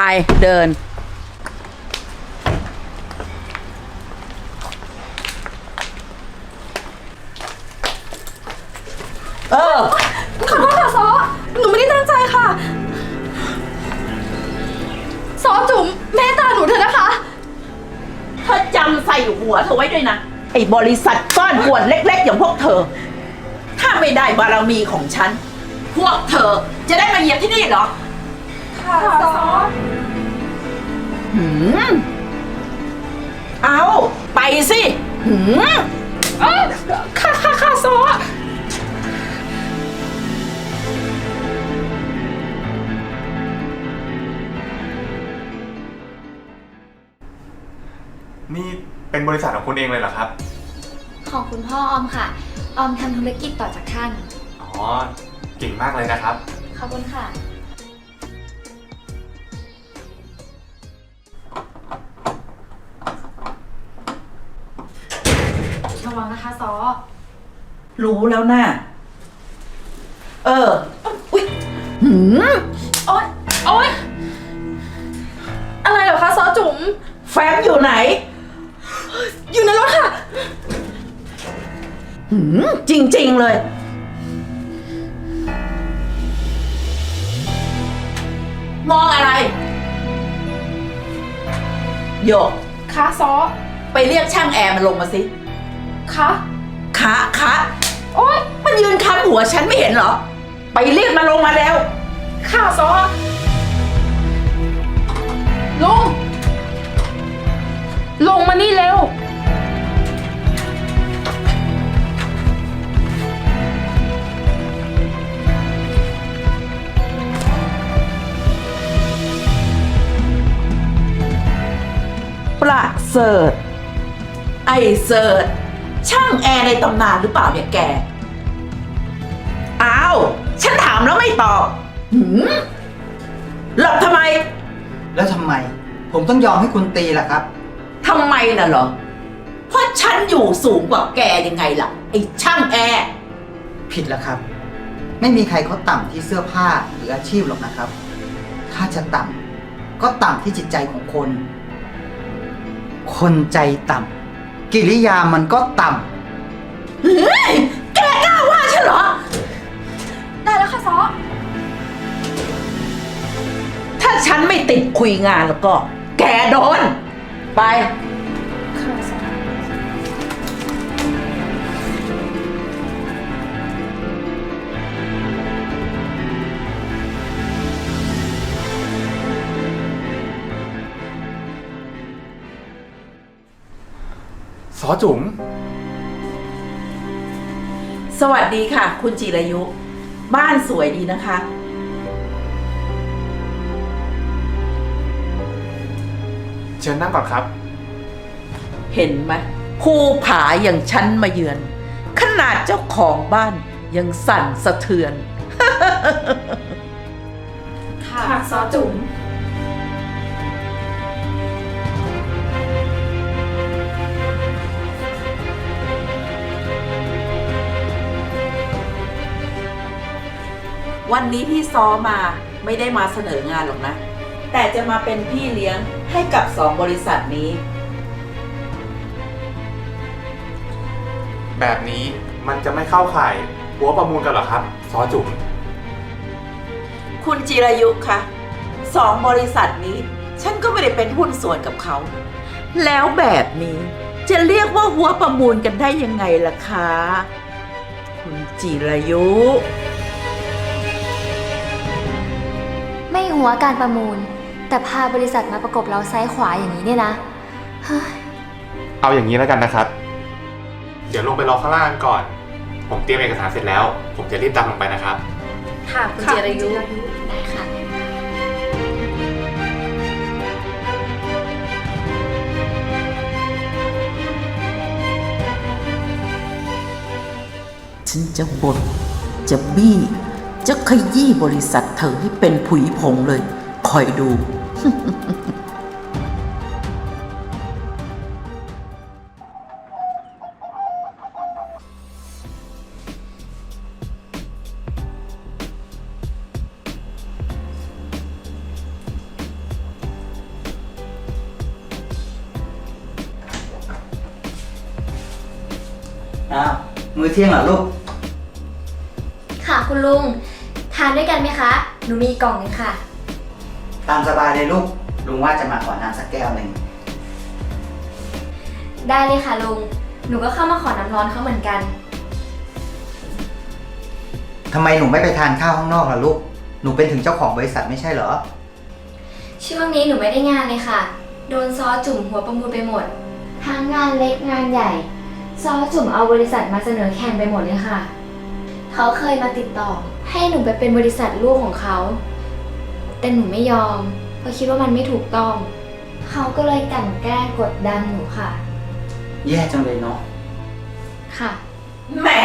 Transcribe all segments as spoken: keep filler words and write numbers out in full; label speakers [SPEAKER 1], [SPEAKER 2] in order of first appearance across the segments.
[SPEAKER 1] เดินเออ
[SPEAKER 2] ขอโทษค่ะซอหนูไม่ได้ตั้งใจค่ะซอจุ๋มเมตตาหนูเถอะนะคะ
[SPEAKER 1] เธอจำใส่หัวเธอไว้ด้วยนะไอ้บริษัทก้อนกวนเล็กๆอย่างพวกเธอถ้าไม่ได้บารมีของฉันพวกเธอจะได้มาเหยียบที่นี่เหรอ
[SPEAKER 2] ค่ะซอ
[SPEAKER 1] หืมเอาไปสิหืม
[SPEAKER 2] เอ้ยค่ะค่ะค่ะซอ
[SPEAKER 3] นี่เป็นบริษัทของคุณเองเลยเหรอครับ
[SPEAKER 4] ของคุณพ่อออมค่ะ ออมทำธุรกิจต่อจากท่าน
[SPEAKER 3] อ๋อ เก่งมากเลยนะครับ
[SPEAKER 4] ขอบคุณค่ะ
[SPEAKER 2] ระวังนะคะซอ
[SPEAKER 1] รู้แล้วนะเอออุ๊ยหืม
[SPEAKER 2] โอ๊ยโอ๊ยอะไรเหรอคะซอจุ๋ม
[SPEAKER 1] แฟ้มอยู่ไหน
[SPEAKER 2] อยู่ในรถค่ะ
[SPEAKER 1] หืมจริงๆเลยมองอะไรโยก
[SPEAKER 2] คะซอ
[SPEAKER 1] ไปเรียกช่างแอร์มันลงมาสิ
[SPEAKER 2] คะ
[SPEAKER 1] คะคะ
[SPEAKER 2] โอ๊ย
[SPEAKER 1] มันยืนค้ำหัวฉันไม่เห็นเหรอไปเรียกมันลงมาแล้ว
[SPEAKER 2] ค่ะซอลุงลงมานี่เร็ว
[SPEAKER 1] ประเสริฐไอเสิร์ชช่างแอร์ในตำนานหรือเปล่าเนี่ยแกอ้าวฉันถามแล้วไม่ตอบหืมหลบทำไม
[SPEAKER 5] แล้วทำไมผมต้องยอมให้คุณตีล่ะครับ
[SPEAKER 1] ทำไมน่ะเหรอเพราะฉันอยู่สูงกว่าแกยังไงล่ะไอ้ช่างแอร์
[SPEAKER 5] ผิดแล้วครับไม่มีใครเขาต่ำที่เสื้อผ้าหรืออาชีพหรอกนะครับถ้าจะต่ำก็ต่ำที่จิตใจของคนคนใจต่ำกิริยามันก็ต่
[SPEAKER 1] ำเฮ้ยแกกล้าว่าฉันเหรอ
[SPEAKER 2] ได้แล้วค่ะซอ
[SPEAKER 1] ถ้าฉันไม่ติดคุยงานแล้วก็แกโดนไป
[SPEAKER 2] ค่ะซอ
[SPEAKER 3] ซอจุ๋ม
[SPEAKER 1] สวัสดีค่ะคุณจิรายุ บ้านสวยดีนะคะ
[SPEAKER 3] เชิญนั่งก่อนครับ
[SPEAKER 1] เห็นไหมภูผาอย่างฉันมาเยือน ขนาดเจ้าของบ้านยังสั่นสะเทือน
[SPEAKER 2] ค่ะซอจุ๋ม
[SPEAKER 1] วันนี้พี่ซ้อมาไม่ได้มาเสนองานหรอกนะ แต่จะมาเป็นพี่เลี้ยงให้กับสองบริษัทนี้
[SPEAKER 3] แบบนี้มันจะไม่เข้าข่ายหัวประมูลกันเหรอครับ ซอจุ๋ม
[SPEAKER 1] คุณจิรายุคะสองบริษัทนี้ ฉันก็ไม่ได้เป็นหุ้นส่วนกับเขา แล้วแบบนี้จะเรียกว่าหัวประมูลกันได้ยังไงล่ะคะ คุณจิรายุ
[SPEAKER 4] ไม่หัวการประมูล แต่พาบริษัทมาประกบเราซ้ายขวาอย่างนี้เนี่ยนะเฮ้ย
[SPEAKER 3] เอาอย่างนี้แล้วกันนะครับ เดี๋ยวลงไปรอข้างล่างก่อน ผมเตรียมเอกสารเสร็จแล้ว ผมจะรีบตามลงไปนะครับ
[SPEAKER 4] ค่ะคุณจิรายุได้ค่ะ
[SPEAKER 1] ฉันจะบ่นจะบี้ จะขยี้บริษัทเธอให้เป็นผุยผงเลย คอยดู
[SPEAKER 5] อ้าวมื้อเที่ยงเหรอลูก
[SPEAKER 4] ค่ะคุณลุง ทานด้วยกันไหมคะ หนูมีกล่องหนึงค่ะ
[SPEAKER 5] ตามสบายเลยลูก ลุงว่าจะมาขอน้ำสักแก้วหนึ่ง
[SPEAKER 4] ได้เลยค่ะลุง หนูก็เข้ามาขอน้ำร้อนเขาเหมือนกัน
[SPEAKER 5] ทำไมหนูไม่ไปทานข้าวข้างนอกล่ะลูก หนูเป็นถึงเจ้าของบริษัทไม่ใช่เหรอ
[SPEAKER 4] ช่วงนี้หนูไม่ได้งานเลยค่ะ โดนซอจุ่มหัวประมูลไปหมด ทั้งงานเล็กงานใหญ่ ซอจุ่มเอาบริษัทมาเสนอแข่งไปหมดเลยค่ะ เขาเคยมาติดต่อ ให้หนูไปเป็นบริษัทลูกของเขา แต่หนูไม่ยอม เพราะคิดว่ามันไม่ถูกต้อง เขาก็เลยกลั่นแกล้งกดดันหนูค่ะ
[SPEAKER 5] แย่จังเลยเนาะ
[SPEAKER 4] ค่ะ
[SPEAKER 1] แหม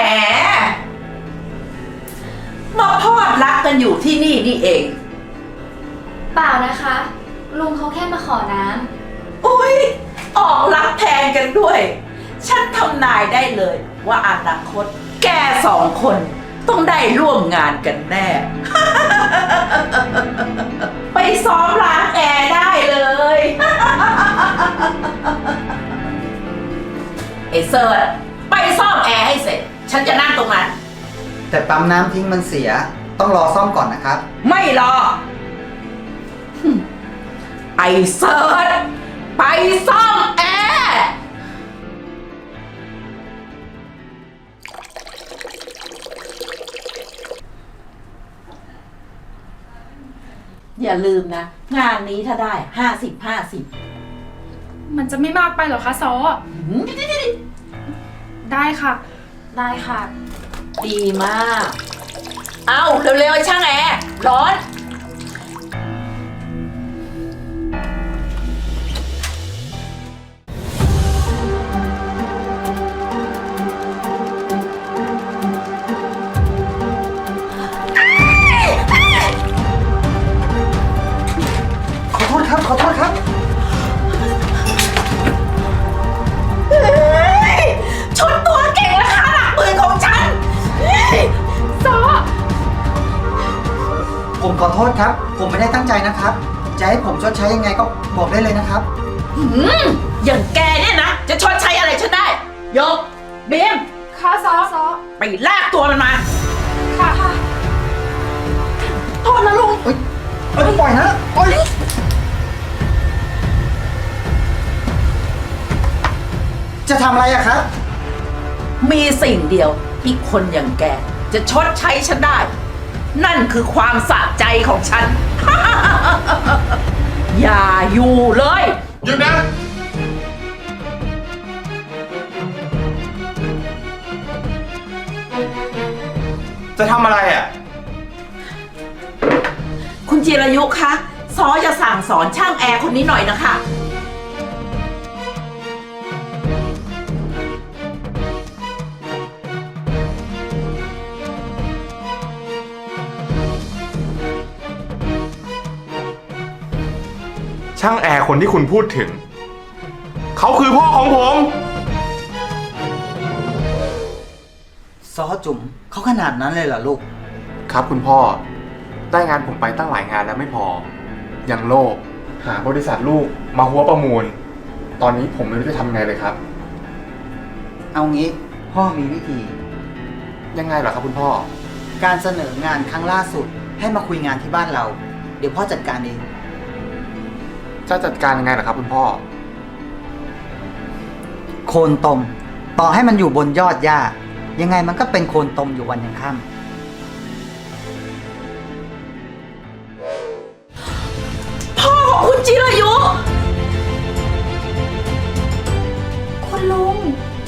[SPEAKER 1] มาพอดรักกันอยู่ที่นี่นี่เอง
[SPEAKER 4] เปล่านะคะ ลุงเขาแค่มาขอน้
[SPEAKER 1] อุ้ยออกรักแทนกันด้วย ฉันทำนายได้เลยว่าอนาคต แกสองคนต้องได้ร่วมงานกันแน่ ไปซ้อมล้างแอร์ได้เลย ไอ้เซิร์ชไปซ่อมแอร์ให้เสร็จ ฉันจะนั่งตรงนั้น
[SPEAKER 5] แต่ปั๊มน้ำทิ้งมันเสีย ต้องรอซ่อมก่อนนะครับ
[SPEAKER 1] ไม่รอหึไอ้เซิร์ชไปซ่อมแอร์ อย่าลืมนะ งานนี้ถ้าได้ห้าสิบห้าสิบ
[SPEAKER 2] มันจะไม่มากไปเหรอคะซอ ได้ค่ะ ได้ค่ะ
[SPEAKER 1] ดีมาก เอาเร็วๆไอ้ช่างแอร์ร้อน
[SPEAKER 5] ขอโทษครับ ขอโทษครับ
[SPEAKER 1] เฮ้ยชุดตัวเก่งราคาหลักหมื่นของฉันเฮ้ย
[SPEAKER 2] ซอ
[SPEAKER 5] ผมขอโทษครับ ผมไม่ได้ตั้งใจนะครับ จะให้ผมชดใช้ยังไงก็บอกได้เลยนะครับ
[SPEAKER 1] หืมอย่างแกเนี่ยนะ จะชดใช้อะไรฉันได้ ยกเบม
[SPEAKER 2] ค่ะซอซอ
[SPEAKER 1] ไปลากตัวมันมา
[SPEAKER 2] ค่ะค่ะ
[SPEAKER 1] โทษนะลุง
[SPEAKER 5] เอ้ยเอ้ยปล่อยนะปล่อยจะทำอะไรอะครับ
[SPEAKER 1] มีสิ่งเดียวที่คนอย่างแก จะชดใช้ฉันได้ นั่นคือความสะใจของฉัน อย่าอยู่เลย
[SPEAKER 3] หยุดนะ จะทำอะไรอ่ะ
[SPEAKER 1] คุณจิรายุคะซอจะสั่งสอนช่างแอร์คนนี้หน่อยนะคะ
[SPEAKER 3] ช่างแอร์คนที่คุณพูดถึง เขาคือพ่อของผม
[SPEAKER 5] ซอจุ๋มเขาขนาดนั้นเลยเหรอลูก
[SPEAKER 3] ครับคุณพ่อ ได้งานผมไปตั้งหลายงานแล้วไม่พอ ยังโลภหาบริษัทลูกมาหัวประมูล ตอนนี้ผมไม่รู้จะทำไงเลยครับ
[SPEAKER 5] เอางี้พ่อมีวิธี
[SPEAKER 3] ยังไงเหรอครับคุณพ่อ
[SPEAKER 5] การเสนองานครั้งล่าสุด ให้มาคุยงานที่บ้านเรา เดี๋ยวพ่อจัดการเอง
[SPEAKER 3] จะจัดการยังไงเหรอครับคุณพ่อ
[SPEAKER 5] โคนตม ต่อให้มันอยู่บนยอดหญ้า ยังไงมันก็เป็นโคนตมอยู่วันยังค่ำ
[SPEAKER 1] พ่อของคุณจิรายุ
[SPEAKER 2] คุณลุง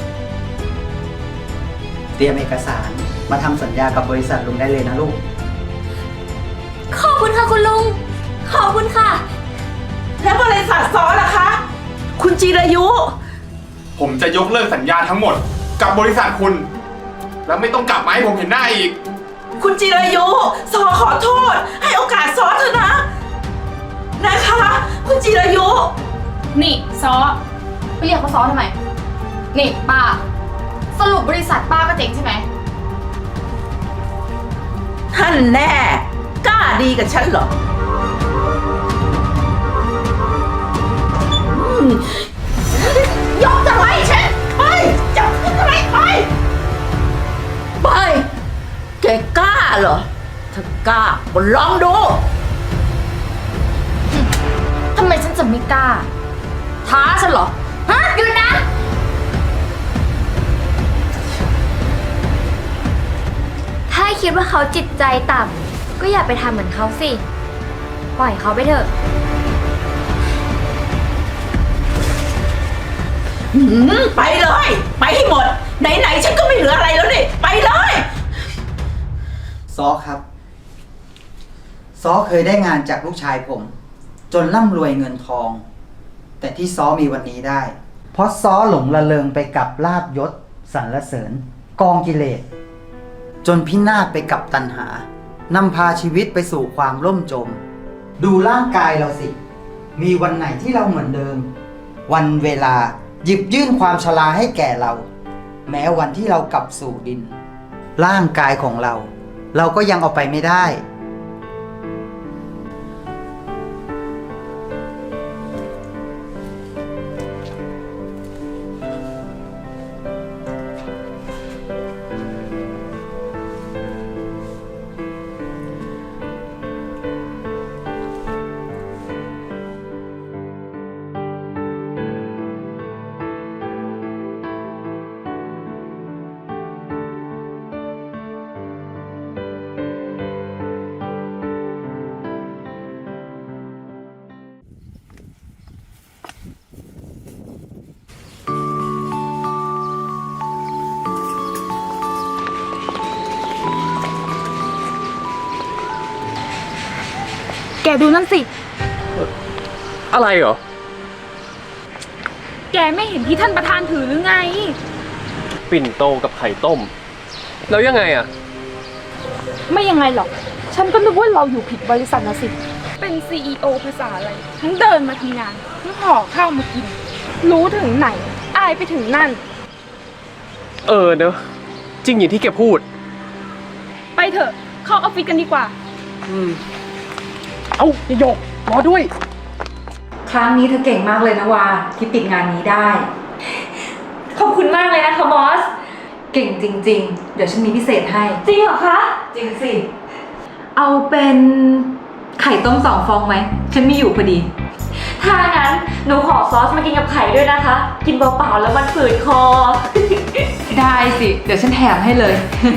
[SPEAKER 5] เตรียมเอกสารมาทำสัญญากับบริษัทลุงได้เลยนะลูก
[SPEAKER 4] ำ ขอบคุณค่ะคุณลุง ขอบคุณค่ะ
[SPEAKER 1] แล้วบริษัทซอล่ะคะ คุณจิรายุ
[SPEAKER 3] ผมจะยกเลิกสัญญาทั้งหมด กับบริษัทคุณ แล้วไม่ต้องกลับมาให้ผมเห็นหน้าอีก
[SPEAKER 1] คุณจิรายุซอขอโทษ ให้โอกาสซอเถอะนะ นะคะ คุณจิรายุ
[SPEAKER 2] นี่ซอ ไปเรียกเขาซอทำไม นี่ป้า สรุปบริษัทป้าก็เจ๊งใช่ไหม
[SPEAKER 1] ท่านแน่ กล้าดีกับฉันเหรออืมยกจะไล่ฉันไปจับขึ้นอะไรไปถ้ากล้าก็ลองดู
[SPEAKER 2] ทำไมฉันจะไม่กล้า ท้าฉันเหรอ ฮะหยุดนะ
[SPEAKER 4] ถ้าคิดว่าเขาจิตใจต่ำก็อย่าไปทำเหมือนเขาสิ ปล่อยเขาไปเถอะ
[SPEAKER 1] หืมไปเลย ไปให้หมด ไหนๆฉันก็ไม่เหลืออะไรแล้วนี่ ไปเลย
[SPEAKER 5] ซอครับ ซอเคยได้งานจากลูกชายผม จนร่ำรวยเงินทอง แต่ที่ซอมีวันนี้ได้ เพราะซอหลงละเลงไปกับลาบยศสรรเสริญ กองกิเลส จนพินาศไปกับตัณหานำพาชีวิตไปสู่ความล่มจม ดูร่างกายเราสิ มีวันไหนที่เราเหมือนเดิม วันเวลาหยิบยื่นความชราให้แก่เรา แม้วันที่เรากลับสู่ดิน ร่างกายของเรา เราก็ยังเอาไปไม่ได้
[SPEAKER 2] แกดูนั่นสิ
[SPEAKER 6] อะไรเหรอ
[SPEAKER 2] แกไม่เห็นที่ท่านประธานถือหรือไง
[SPEAKER 6] ปิ่นโตกับไข่ต้ม แล้วยังไงอ่ะ
[SPEAKER 2] ไม่ยังไงหรอก ฉันก็นึกว่าเราอยู่ผิดบริษัทนะสิ เป็น ซี อี โอ ภาษาอะไร ทั้งเดินมาทำงานทั้งห่อข้าวมากิน รู้ถึงไหน อายไปถึงนั่น
[SPEAKER 6] เออเนอะจริงอย่างที่แกพูด
[SPEAKER 2] ไปเถอะ เข้าออฟฟิศกันดีกว่า
[SPEAKER 6] อืม เอ้าอย่าหยกรอด้วย
[SPEAKER 7] ครั้งนี้เธอเก่งมากเลยนะวาที่ปิดงานนี้ได้
[SPEAKER 4] ขอบคุณมากเลยนะคะบอส
[SPEAKER 7] เก่งจริงๆ เดี๋ยวฉันมีพิเศษให้
[SPEAKER 4] จริงเหรอคะ
[SPEAKER 7] จริงสิ เอาเป็นไข่ต้มสองฟองไหม ฉันมีอยู่พอดี
[SPEAKER 4] ถ้างั้นหนูขอซอสมากินกับไข่ด้วยนะคะ กินเปล่าๆแล้วมันฝืดคอ
[SPEAKER 7] ได้สิ เดี๋ยวฉันแถมให้เลย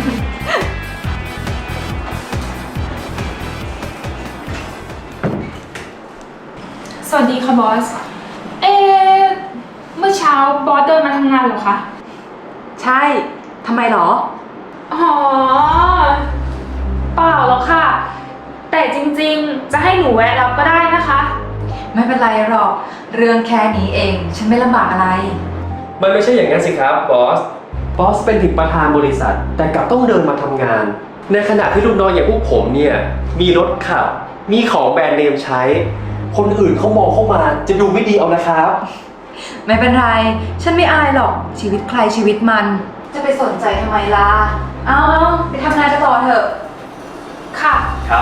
[SPEAKER 2] สวัสดีค่ะบอส เอ๊ะเมื่อเช้าบอสเดินมาทำงานเหรอคะ
[SPEAKER 7] ใช่ ทำไมหรอ
[SPEAKER 2] อ๋อ เปล่าหรอกค่ะ แต่จริงๆ จะให้หนูแวะรับก็ได้นะคะ
[SPEAKER 7] ไม่เป็นไรหรอก เรื่องแค่นี้เอง ฉันไม่ลำบากอะไร
[SPEAKER 6] มันไม่ใช่อย่างนั้นสิครับบอส บอสเป็นถึงประธานบริษัท แต่กลับต้องเดินมาทำงาน ในขณะที่ลูกน้องอย่างพวกผมเนี่ย มีรถขับ มีของแบรนด์เนมใช้ คนอื่นเขามองเข้ามาจะดูไม่ดีเอานะครับ
[SPEAKER 7] ไม่เป็นไร ฉันไม่อายหรอก ชีวิตใครชีวิตมัน จะไปสนใจทำไมล่ะ เอาเอาไปทำงานกันต่อเถอะ
[SPEAKER 2] ค่ะ
[SPEAKER 6] ครับ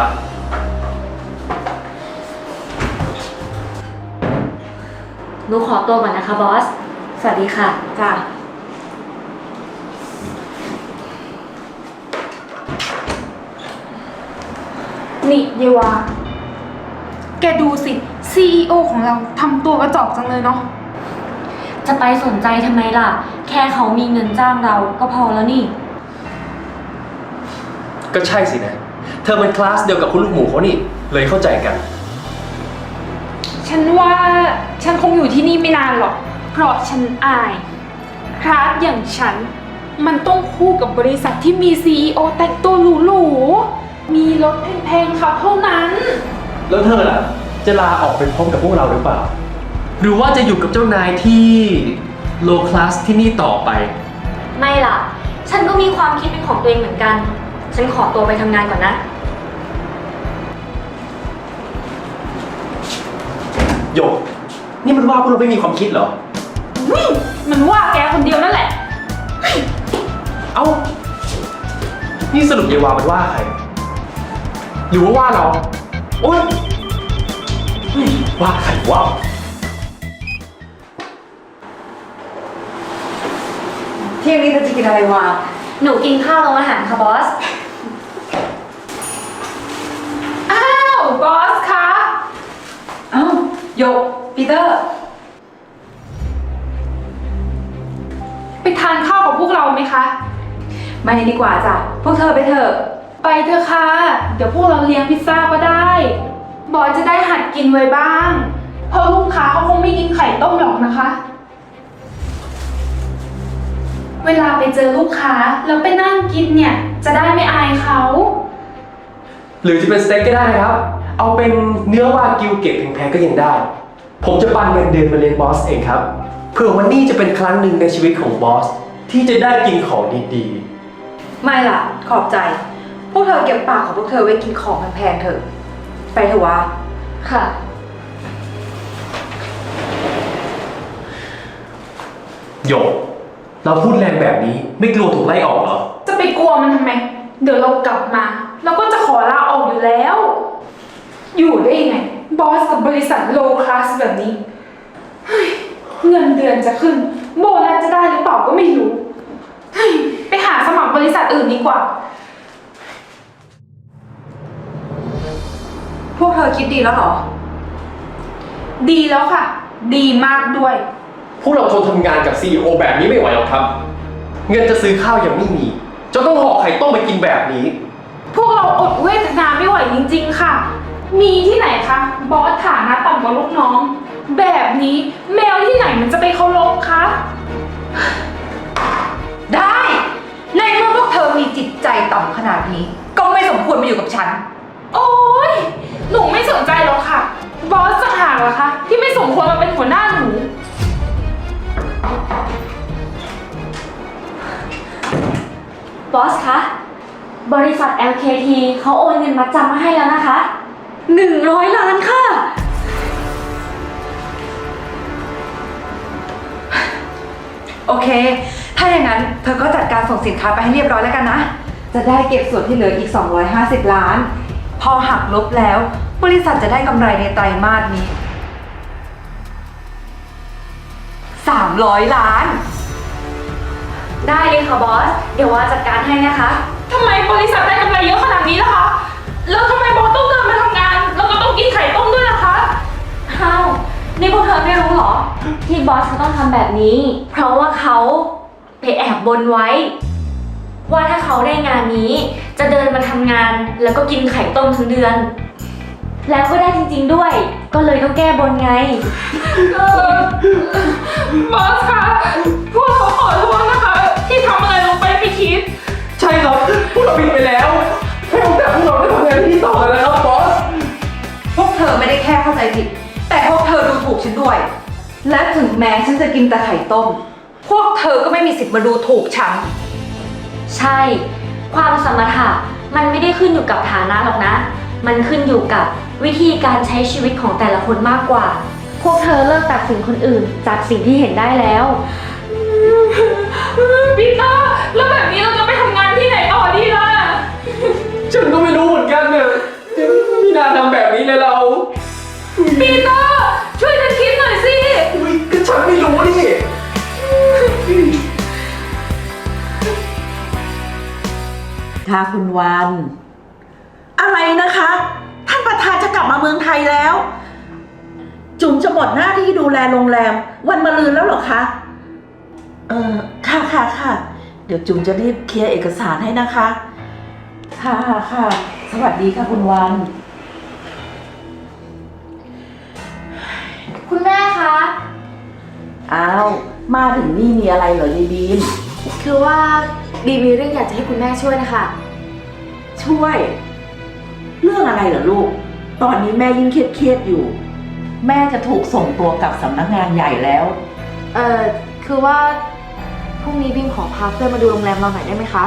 [SPEAKER 4] หนูขอตัวก่อนนะคะบอส สวัสดีค่ะ
[SPEAKER 7] จ้ะ
[SPEAKER 2] นี่เยวา แกดูสิ ซี อี โอ ของเราทำตัวกระจอกจังเลยเนาะ
[SPEAKER 4] จะไปสนใจทำไมล่ะ แค่เขามีเงินจ้างเราก็พอแล้วนี่
[SPEAKER 6] ก็ใช่สินะ เธอเป็นคลาสเดียวกับคุณลูกหมูเขานี่ เลยเข้าใจกัน
[SPEAKER 2] ฉันว่าฉันคงอยู่ที่นี่ไม่นานหรอก เพราะฉันอาย คลาสอย่างฉัน มันต้องคู่กับบริษัทที่มี ซี อี โอ แต่งตัวหรูๆ มีรถแพงๆขับเท่านั้น
[SPEAKER 6] แล้วเธอล่ะ จะลาออกไปพร้อมกับพวกเราหรือเปล่า หรือว่าจะอยู่กับเจ้านายที่โลคลาสที่นี่ต่อไป
[SPEAKER 4] ไม่ล่ะ ฉันก็มีความคิดเป็นของตัวเองเหมือนกัน ฉันขอตัวไปทำงานก่อนนะ
[SPEAKER 6] โยก นี่มันว่าพวกเราไม่มีความคิดเหรอ
[SPEAKER 2] มันว่าแกคนเดียวนั่นแหละ
[SPEAKER 6] เอ้า นี่สรุปเยวามันว่าใคร หรือว่าว่าเรา โอ๊ยเฮ้ยว่าใครว่า
[SPEAKER 7] เที่ยงนี้เธอจะกินอะไรวะ
[SPEAKER 4] หนูกินข้าวโรงอาหารค่ะบอส
[SPEAKER 7] โยกปีเตอร์
[SPEAKER 2] ไปทานข้าวกับพวกเราไหมคะ
[SPEAKER 7] ไม่ดีกว่าจ้ะ พวกเธอไปเถอะ
[SPEAKER 2] ไปเถอะค่ะ เดี๋ยวพวกเราเลี้ยงพิซซ่าก็ได้ บอสจะได้หัดกินไว้บ้าง เพราะลูกค้าเขาคงไม่กินไข่ต้มหรอกนะคะ เวลาไปเจอลูกค้าแล้วไปนั่งกินเนี่ย จะได้ไม่อายเขา
[SPEAKER 6] หรือจะเป็นสเต็กก็ได้นะครับ เอาเป็นเนื้อวากิวเกรดแพงๆก็ยังได้ ผมจะปันเงินเดือนมาเลี้ยงบอสเองครับ เพื่อวันนี้จะเป็นครั้งหนึ่งในชีวิตของบอสที่จะได้กินของดีๆ
[SPEAKER 7] ไม่ล่ะ ขอบใจ พวกเธอเก็บปากของพวกเธอไว้กินของแพงๆเถอะ ไปเถอะวะ
[SPEAKER 4] ค่ะ
[SPEAKER 6] โยก เราพูดแรงแบบนี้ไม่กลัวถูกไล่ออกเหรอ
[SPEAKER 2] จะไปกลัวมันทำไม เดี๋ยวเรากลับมาเราก็จะขอลาออกอยู่แล้ว อยู่ได้ยังไง บอสกับบริษัทโลคลาสแบบนี้เฮ้ยเงินเดือนจะขึ้น โบนัสจะได้หรือเปล่าก็ไม่รู้เฮ้ยไปหาสมัครบริษัทอื่นดีกว่า
[SPEAKER 7] พวกเธอคิดดีแล้วเหรอ
[SPEAKER 2] ดีแล้วค่ะ ดีมากด้วย
[SPEAKER 6] พวกเราทนทำงานกับ ซี อี โอ แบบนี้ไม่ไหวหรอกครับ เงินจะซื้อข้าวยังไม่มีจะต้องห่อไข่ต้มไปกินแบบนี้
[SPEAKER 2] พวกเราอดเวทนาไม่ไหวจริงๆค่ะ มีที่ไหนคะ บอสฐานะต่ำกว่าลูกน้อง แบบนี้แมวที่ไหนมันจะไปเคารพคะ
[SPEAKER 7] ได้ ในเมื่อพวกเธอมีจิตใจต่ำขนาดนี้ ก็ไม่สมควรมาอยู่กับฉัน
[SPEAKER 2] โอ๊ย หนูไม่สนใจหรอกค่ะ บอสจะหากเหรอคะที่ไม่สมควรมาเป็นหัวหน้าหนู
[SPEAKER 4] บอสคะ บริษัท แอล เค ที เขาโอนเงินมัดจำมาให้แล้วนะคะหนึ่งร้อยล้านค่ะ
[SPEAKER 7] โอเค ถ้าอย่างนั้นเธอก็จัดการส่งสินค้าไปให้เรียบร้อยแล้วกันนะ จะได้เก็บส่วนที่เหลืออีก สองร้อยห้าสิบ ล้าน พอหักลบแล้ว บริษัทจะได้กำไรในไตรมาสนี้ สามร้อย ล้าน
[SPEAKER 4] ได้เลยค่ะบอส เดี๋ยวว่าจัดการให้นะคะ
[SPEAKER 2] ทำไมบริษัทได้กำไรเยอะขนาดนี้ล่ะคะ แล้วทำไมบอสต้องเดินมาทำงาน แล้วก็ต้องกินไข่ต้มด้วยล่ะคะ
[SPEAKER 4] อ้าว นี่พวกเธอไม่รู้เหรอ ที่บอสเขาต้องทำแบบนี้ เพราะว่าเขาไปแอบบนไว้ ว่าถ้าเขาได้งานนี้ จะเดินมาทำงานแล้วก็กินไข่ต้มทั้งเดือน แล้วก็ได้จริงๆด้วย ก็เลยต้องแก้บนไง
[SPEAKER 2] เออบอสคะ พวกเราขอโทษนะคะ ที่ทำอะไรลงไปไม่คิด
[SPEAKER 6] ใช่ครับ พวกเราผิดไปแล้วให้โอกาสพวกเราได้ทำงานที่นี่ต่อเลยนะครับบอส
[SPEAKER 7] พวกเธอไม่ได้แค่เข้าใจผิด แต่พวกเธอดูถูกฉันด้วย และถึงแม้ฉันจะกินแต่ไข่ต้ม พวกเธอก็ไม่มีสิทธิ์มาดูถูกฉัน
[SPEAKER 4] ใช่ ความสมรรถะมันไม่ได้ขึ้นอยู่กับฐานะหรอกนะ มันขึ้นอยู่กับวิธีการใช้ชีวิตของแต่ละคนมากกว่า พวกเธอเลิกตัดสินคนอื่นจากสิ่งที่เห็นได้แล้ว
[SPEAKER 2] ปีเตอร์ แล้วแบบนี้เราจะไปทำงานที่ไหนต่อดีล่ะ
[SPEAKER 6] ฉันก็ไม่รู้เหมือนกันเนี่ยไม่น่าทำแบบนี้เลยเรา
[SPEAKER 2] ปีเตอร์ ช่วยกันคิดหน่อยสิ
[SPEAKER 6] อุ๊ยก็ฉันไม่รู้นี่
[SPEAKER 1] ค่ะคุณวัน อะไรนะคะ ท่านประธานจะกลับมาเมืองไทยแล้ว จุ๋มจะหมดหน้าที่ดูแลโรงแรม วันมะรืนแล้วเหรอคะ เออค่ะค่ะค่ะ เดี๋ยวจุ๋มจะรีบเคลียร์เอกสารให้นะคะ ค่ะค่ะ สวัสดีค่ะคุณวัน
[SPEAKER 4] คุณแม่คะ
[SPEAKER 1] อ้าว มาถึงนี่มีอะไรเหรอยายบีม
[SPEAKER 4] คือว่าบีมีเรื่องอยากจะให้คุณแม่ช่วยนะคะ
[SPEAKER 1] ช่วย เรื่องอะไรเหรอลูก ตอนนี้แม่ยิ่งเครียดๆอยู่ แม่จะถูกส่งตัวกลับสำนักงานใหญ่แล้ว
[SPEAKER 4] เอ่อ คือว่าพรุ่งนี้บีมขอพาเพื่อนมาดูโรงแรมเราหน่อยได้ไหมคะ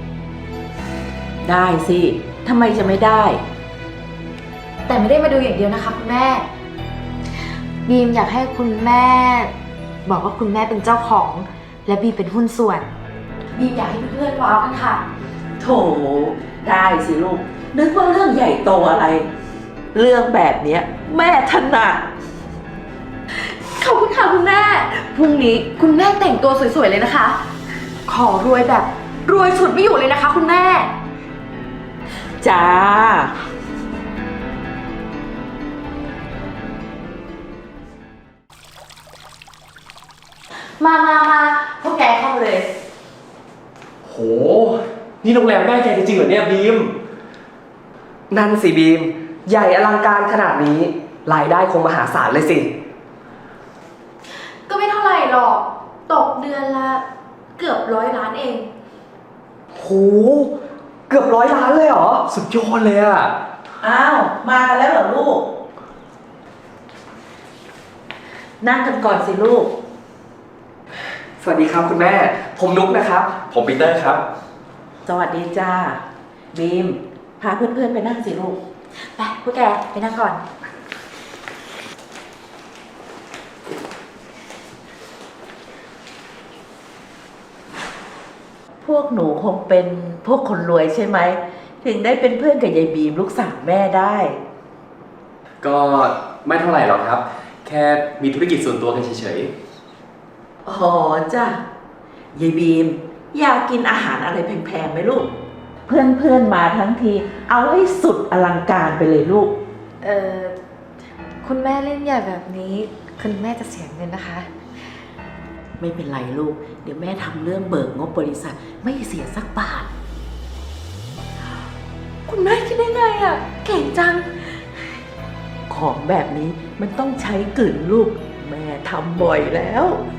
[SPEAKER 1] ได้สิทำไมจะไม่ได้
[SPEAKER 4] แต่ไม่ได้มาดูอย่างเดียวนะคะคุณแม่ บีมอยากให้คุณแม่ บอกว่าคุณแม่เป็นเจ้าของ และบีมเป็นหุ้นส่วน บีมอยากให้เพื่อนๆว้าวกันค่ะ
[SPEAKER 1] โถ ได้สิลูก นึกว่าเรื่องใหญ่โตอะไร เรื่องแบบเนี้ย แม่ถนัด
[SPEAKER 4] ขอบคุณค่ะคุณแม่ พรุ่งนี้คุณแม่แต่งตัวสวยๆเลยนะคะ ขอรวยแบบรวยสุดไม่อยู่เลยนะคะคุณแม่
[SPEAKER 1] จ้า
[SPEAKER 4] มามามาพวกแกเข้ามาเลย
[SPEAKER 6] โห นี่โรงแรมแม่แกจริงๆเหรอเนี่ยบีม
[SPEAKER 8] นั่นสิบีม ใหญ่อลังการขนาดนี้ รายได้คงมหาศาลเลยสิ
[SPEAKER 4] ก็ไม่เท่าไหร่หรอก ตกเดือนละเกือบร้อยล้านเอง
[SPEAKER 8] โห เกือบร้อยล้านเลยเหรอ
[SPEAKER 6] สุดยอดเลยอะ
[SPEAKER 1] อ้าว มากันแล้วเหรอลูก นั่งกันก่อนสิลูก
[SPEAKER 8] สวัสดีครับคุณแม่ ผมนุ๊กนะครับ
[SPEAKER 6] ผมปีเตอร์ครับ
[SPEAKER 1] สวัสดีจ้า บีม พาเพื่อนๆไปนั่งสิลูก
[SPEAKER 4] ไปพวกแกไปนั่งก่อน
[SPEAKER 1] พวกหนูคงเป็นพวกคนรวยใช่ไหม ถึงได้เป็นเพื่อนกับยายบีมลูกสาวแม่ได้
[SPEAKER 6] ก็ไม่เท่าไหร่หรอกครับ แค่มีธุรกิจส่วนตัวกันเฉย
[SPEAKER 1] อ๋อจ้ะยายบีม อยากกินอาหารอะไรแพงๆไหมลูก เพื่อนๆมาทั้งที เอาให้สุดอลังการไปเลยลูก
[SPEAKER 9] เอ่อ คุณแม่เล่นใหญ่แบบนี้ คุณแม่จะเสียเงินนะคะ
[SPEAKER 1] ไม่เป็นไรลูก เดี๋ยวแม่ทำเรื่องเบิกงบบริษัทไม่เสียสักบาท
[SPEAKER 9] คุณแม่คิดได้ไงอ่ะ เก่งจัง
[SPEAKER 1] ของแบบนี้มันต้องใช้กลืนลูก แม่ทำบ่อยแล้ว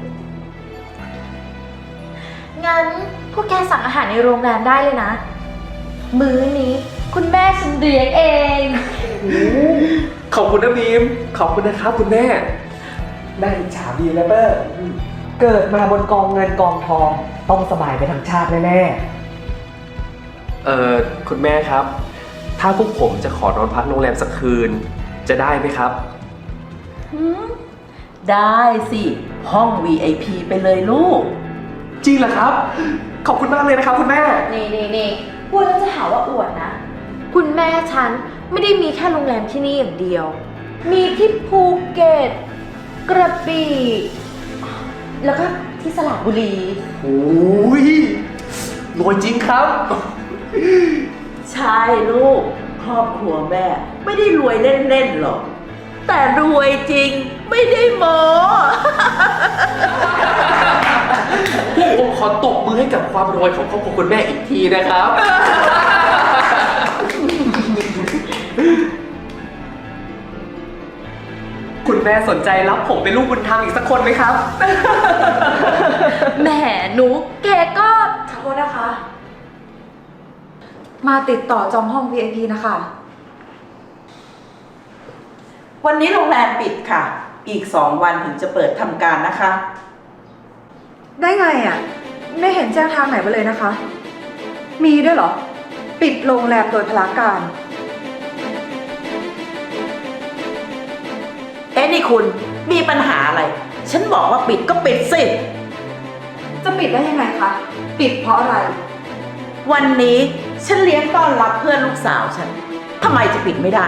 [SPEAKER 4] งั้นพวกแกสั่งอาหารในโรงแรมได้เลยนะ มื้อนี้คุณแม่ฉันเลี้ยงเอง
[SPEAKER 6] ๆ ขอบคุณนะบีม ขอบคุณนะครับคุณแม่
[SPEAKER 8] แม่อิจฉาบีมและเปอร์เกิดมาบนกองเงินกองทอง ต้องสบายไปทั้งชาติแน่
[SPEAKER 6] เอ่อ คุณแม่ครับ ถ้าพวกผมจะขอนอนพักโรงแรมสักคืน จะได้ไหมครับ
[SPEAKER 1] ได้สิ ห้อง วี ไอ พี ไปเลยลูก
[SPEAKER 6] จริงเหรอครับ ขอบคุณมากเลยนะครับคุณแม่
[SPEAKER 4] นี่นี่นี่พูดแล้วจะหาว่าอวดนะ คุณแม่ฉันไม่ได้มีแค่โรงแรมที่นี่อย่างเดียว มีที่ภูเก็ต กระบี่ แล้วก็ที่สระบุรี
[SPEAKER 6] โอ้ยรวยจริงครับ
[SPEAKER 1] ใช่ลูก ครอบครัวแม่ ไม่ได้รวยเล่นๆหรอก แต่รวยจริงไม่ได้โม
[SPEAKER 6] พวกผมขอตบมือให้กับความรวยของครอบครัวคุณแม่อีกทีนะครับ
[SPEAKER 8] คุณแม่สนใจรับผมเป็นลูกบุญธรรมอีกสักคนไหมครับ
[SPEAKER 4] แหมหนูแกก็
[SPEAKER 7] ขอโทษนะคะ มาติดต่อจองห้อง วี ไอ พี นะคะ
[SPEAKER 1] วันนี้โรงแรมปิดค่ะ อีกสองวันถึงจะเปิดทำการนะคะ
[SPEAKER 7] ได้ไงอ่ะ ไม่เห็นแจ้งทางไหนมาเลยนะคะ มีด้วยเหรอ ปิดโรงแรมโดยพลาการ
[SPEAKER 1] เอ๊ะนี่คุณมีปัญหาอะไร ฉันบอกว่าปิดก็ปิดสิ
[SPEAKER 7] จะปิดได้ยังไงคะ ปิดเพราะอะไร
[SPEAKER 1] วันนี้ฉันเลี้ยงต้อนรับเพื่อนลูกสาวฉันทำไมจะปิดไม่ได้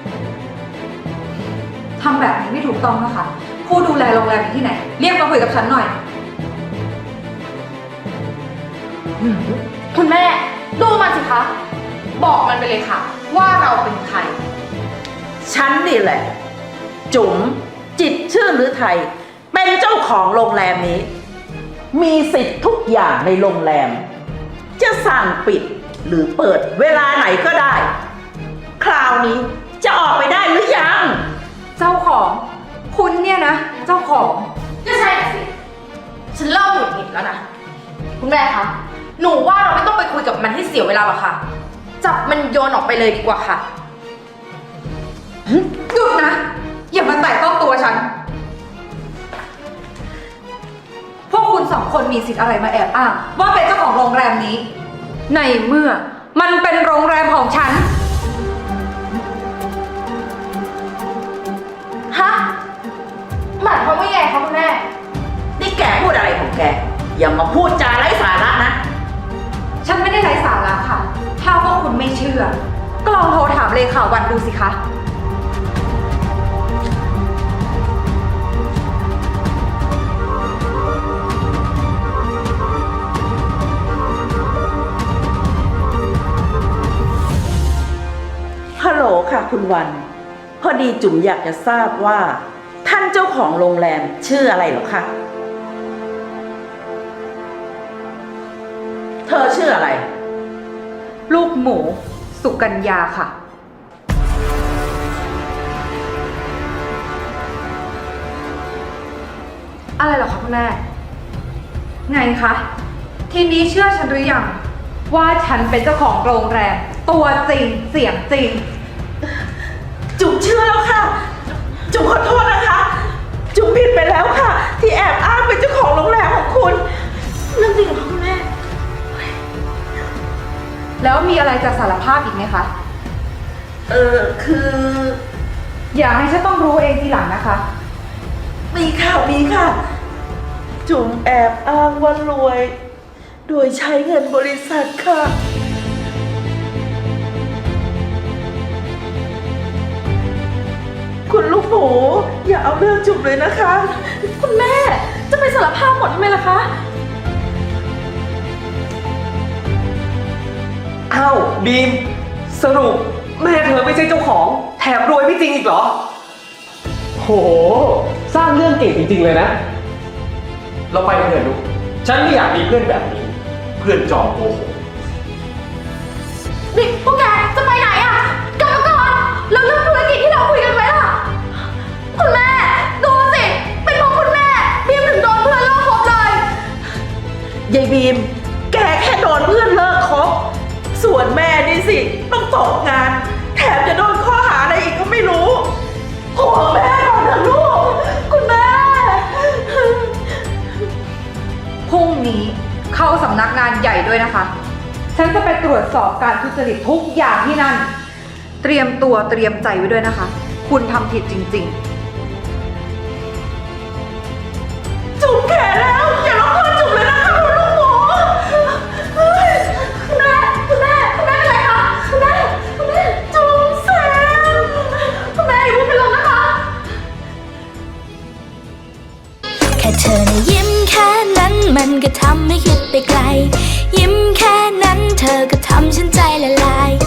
[SPEAKER 7] ทำแบบนี้ไม่ถูกต้องนะคะ ผู้ดูแลโรงแรมอยู่ที่ไหน เรียกมาคุยกับฉันหน่อย
[SPEAKER 2] คุณแม่ดูมันสิคะ บอกมันไปเลยค่ะ ว่าเราเป็นใคร
[SPEAKER 1] ฉันนี่แหละ จุ๋มจิตรชื่อหรือไทย เป็นเจ้าของโรงแรมนี้ มีสิทธิ์ทุกอย่างในโรงแรม จะสั่งปิดหรือเปิดเวลาไหนก็ได้ คราวนี้จะออกไปได้หรือยัง
[SPEAKER 7] เจ้าของ คุณเนี่ยนะ เจ้าของ
[SPEAKER 2] ก็ใช่สิ ฉันเริ่มหงุดหงิดแล้วนะ คุณแม่คะ หนูว่าเราไม่ต้องไปคุยกับมันให้เสียเวลาหรอกค่ะ จับมันโยนออกไปเลยดีกว่าค่ะ
[SPEAKER 7] หยุดนะ อย่ามาแตะต้องตัวฉัน พวกคุณสองคนมีสิทธิ์อะไรมาแอบอ้างว่าเป็นเจ้าของโรงแรมนี้ ในเมื่อมันเป็นโรงแรมของฉัน
[SPEAKER 2] ฮะ หมายความว่าไงคะคุณแม่
[SPEAKER 1] นี่แกพูดอะไรของแก อย่ามาพูดจาไร้สาระนะ
[SPEAKER 7] ฉันไม่ได้ไร้สาระค่ะ ถ้าพวกคุณไม่เชื่อ ก็ลองโทรถามเลขาวันดูสิคะ
[SPEAKER 1] ฮัลโหลค่ะคุณวัน พอดีจุ๋มอยากจะทราบว่า ท่านเจ้าของโรงแรมชื่ออะไรเหรอคะอชื่ออะไร
[SPEAKER 7] ลูกหมู สุกัญญาค่ะ อะไรเหรอคะคุณแม่ ไงคะ ทีนี้เชื่อฉันหรือยัง ว่าฉันเป็นเจ้าของโรงแรม ตัวจริงเสียงจริง
[SPEAKER 1] จุ๋มเชื่อแล้วค่ะ จุ๋มขอโทษนะคะ จุ๋มผิดไปแล้วค่ะ ที่แอบอ้างเป็นเจ้าของโรงแรมของคุณเรื่องจริงเหรอคุณแม่
[SPEAKER 7] แล้วมีอะไรจะสารภาพอีกไหมคะ
[SPEAKER 1] เออคือ
[SPEAKER 7] อย่าให้ฉันต้องรู้เองทีหลังนะคะ
[SPEAKER 1] มีค่ะมีค่ะ จุ๋มแอบอ้างว่ารวย โดยใช้เงินบริษัทค่ะ คุณลูกหมูอย่าเอาเรื่องจุ๋มเลยนะคะ
[SPEAKER 2] คุณแม่จะไปสารภาพหมดทำไมล่ะคะ
[SPEAKER 6] อ้าวบีม สรุปแม่เธอไม่ใช่เจ้าของ แถมรวยไม่จริงอีกเหรอ โห สร้างเรื่องเก่งจริงๆเลยนะ เราไปกันเถอะลูก ฉันไม่อยากมีเพื่อนแบบนี้ เพื่อนจอมโกหก
[SPEAKER 2] นี่พวกแกจะไปไหนอะกลับมาก่อนแล้วเรื่องธุรกิจที่เราคุยกันไว้ล่ะ คุณแม่ ดูสิ เป็นเพราะคุณแม่บีมถึงโดนเพื่อนเลิกคบเลย
[SPEAKER 1] ยายบีม แกแค่โดนเพื่อนเลิกคบ ส่วนแม่นี่สิ ต้องตกงาน แถมจะโดนข้อหาอะไรอีกก็ไม่รู้โหแม่ก่อนนะลูก คุณแม่
[SPEAKER 7] พรุ่งนี้เข้าสำนักงานใหญ่ด้วยนะคะ ฉันจะไปตรวจสอบการทุจริตทุกอย่างที่นั่น เตรียมตัวเตรียมใจไว้ด้วยนะคะ คุณทำผิดจริงๆ
[SPEAKER 1] จุ๋มแก่แล้ว อย่าร้องไห้จุ๋มเลยนะคะคุณลูกหมูเฮ้ย
[SPEAKER 2] คุณแม่ คุณแม่ คุณแม่เป็นไรคะ คุณแม่ คุณแม่
[SPEAKER 1] จุ๋มแสบ
[SPEAKER 2] คุณแม่อย่าเพิ่งเป็นลมนะคะ
[SPEAKER 10] แค่เธอนะยิ้มแค่นั้นมันก็ทำให้คิดไปไกล ยิ้มแค่นั้นเธอก็ทำฉันใจละลาย